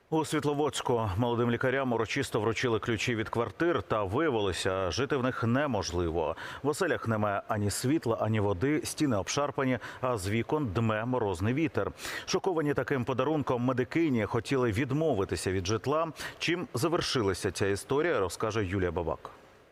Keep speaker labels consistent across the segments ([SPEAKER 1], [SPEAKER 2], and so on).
[SPEAKER 1] У Світловодську молодим лікарям урочисто вручили ключі від квартир та виявилося, жити в них неможливо. В оселях немає ані світла, ані води, стіни обшарпані, а з вікон дме морозний вітер. Шоковані таким подарунком медикині хотіли відмовитися від житла. Чим завершилася ця історія, розкаже Юлія Бабак.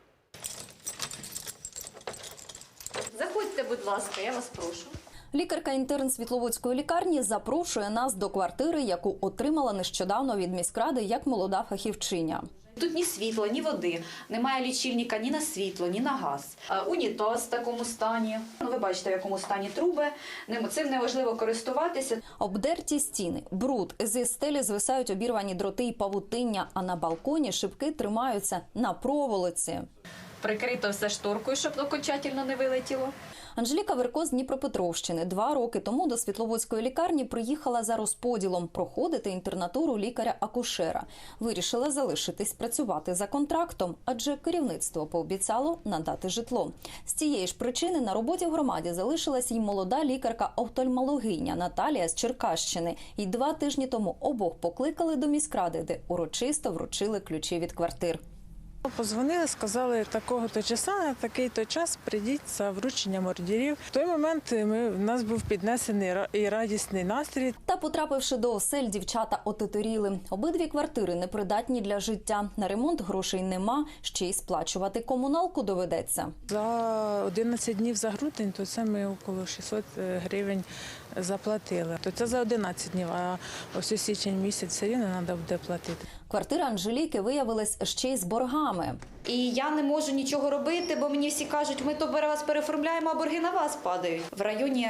[SPEAKER 2] Заходьте, будь ласка, я вас прошу.
[SPEAKER 3] Лікарка-інтерн Світловодської лікарні запрошує нас до квартири, яку отримала нещодавно від міськради як молода фахівчиня.
[SPEAKER 2] Тут ні світла, ні води, немає лічильника ні на світло, ні на газ. Унітаз в такому стані. Ви бачите, в якому стані труби. Цим неможливо користуватися.
[SPEAKER 3] Обдерті стіни, бруд, зі стелі звисають обірвані дроти і павутиння, а на балконі шибки тримаються на проволоці.
[SPEAKER 2] Прикрито все шторкою, щоб окончательно не вилетіло.
[SPEAKER 3] Анжеліка Верко з Дніпропетровщини 2 роки тому до Світловодської лікарні приїхала за розподілом проходити інтернатуру лікаря-акушера. Вирішила залишитись працювати за контрактом, адже керівництво пообіцяло надати житло. З цієї ж причини на роботі в громаді залишилась й молода лікарка-офтальмологиня Наталія з Черкащини. І 2 тижні тому обох покликали до міськради, де урочисто вручили ключі від квартир.
[SPEAKER 4] Позвонили, сказали, такого-то часу, на такий-то час прийдіть за врученням ордерів. В той момент в нас був піднесений і радісний настрій.
[SPEAKER 3] Та, потрапивши до осель, дівчата отеторіли. Обидві квартири непридатні для життя. На ремонт грошей нема, ще й сплачувати комуналку доведеться.
[SPEAKER 4] За 11 днів за грудень, то це ми около 600 гривень заплатили. То це за 11 днів, а ось у січень місяць все рівно треба буде платити.
[SPEAKER 3] Квартира Анжеліки виявилась ще й з боргами.
[SPEAKER 2] І я не можу нічого робити, бо мені всі кажуть, ми то вас переоформляємо, а борги на вас падають. В районі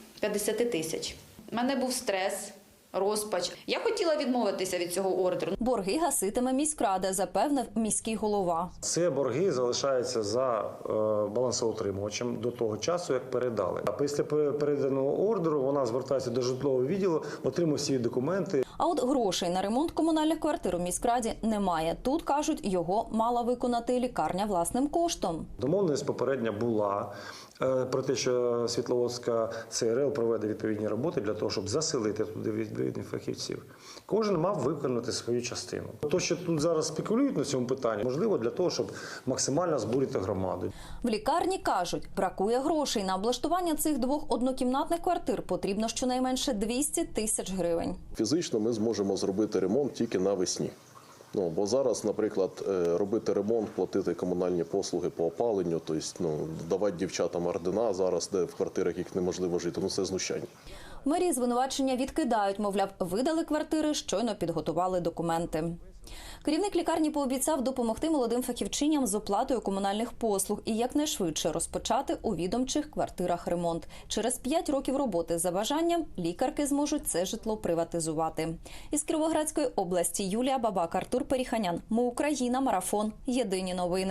[SPEAKER 2] 50 тисяч. У мене був стрес, розпач. Я хотіла відмовитися від цього ордеру.
[SPEAKER 3] Борги гаситиме міськрада, запевнив міський голова.
[SPEAKER 5] Це борги залишаються за балансоутримувачем до того часу, як передали. А після переданого ордеру вона звертається до житлового відділу, отримує всі документи.
[SPEAKER 3] А от грошей на ремонт комунальних квартир у міськраді немає. Тут, кажуть, його мала виконати лікарня власним коштом.
[SPEAKER 5] Домовленість попередня була про те, що Світловодська ЦРЛ проведе відповідні роботи для того, щоб заселити туди відповідних фахівців. Кожен мав виконати свою частину. То, що тут зараз спекулюють на цьому питанні, можливо для того, щоб максимально збурити громаду.
[SPEAKER 3] В лікарні кажуть, бракує грошей. На облаштування цих 2 однокімнатних квартир потрібно щонайменше 200 тисяч гривень.
[SPEAKER 6] Фізично ми зможемо зробити ремонт тільки навесні. Бо зараз, наприклад, робити ремонт, платити комунальні послуги по опаленню, тобто давати дівчатам ордена зараз, де в квартирах їх неможливо жити, це знущання.
[SPEAKER 3] В мерії звинувачення відкидають, мовляв, видали квартири, щойно підготували документи. Керівник лікарні пообіцяв допомогти молодим фахівчиням з оплатою комунальних послуг і якнайшвидше розпочати у відомчих квартирах ремонт. Через 5 років роботи за бажанням лікарки зможуть це житло приватизувати. Із Кіровоградської області Юлія Бабак, Артур Періханян. Ми Україна. Марафон. Єдині новини.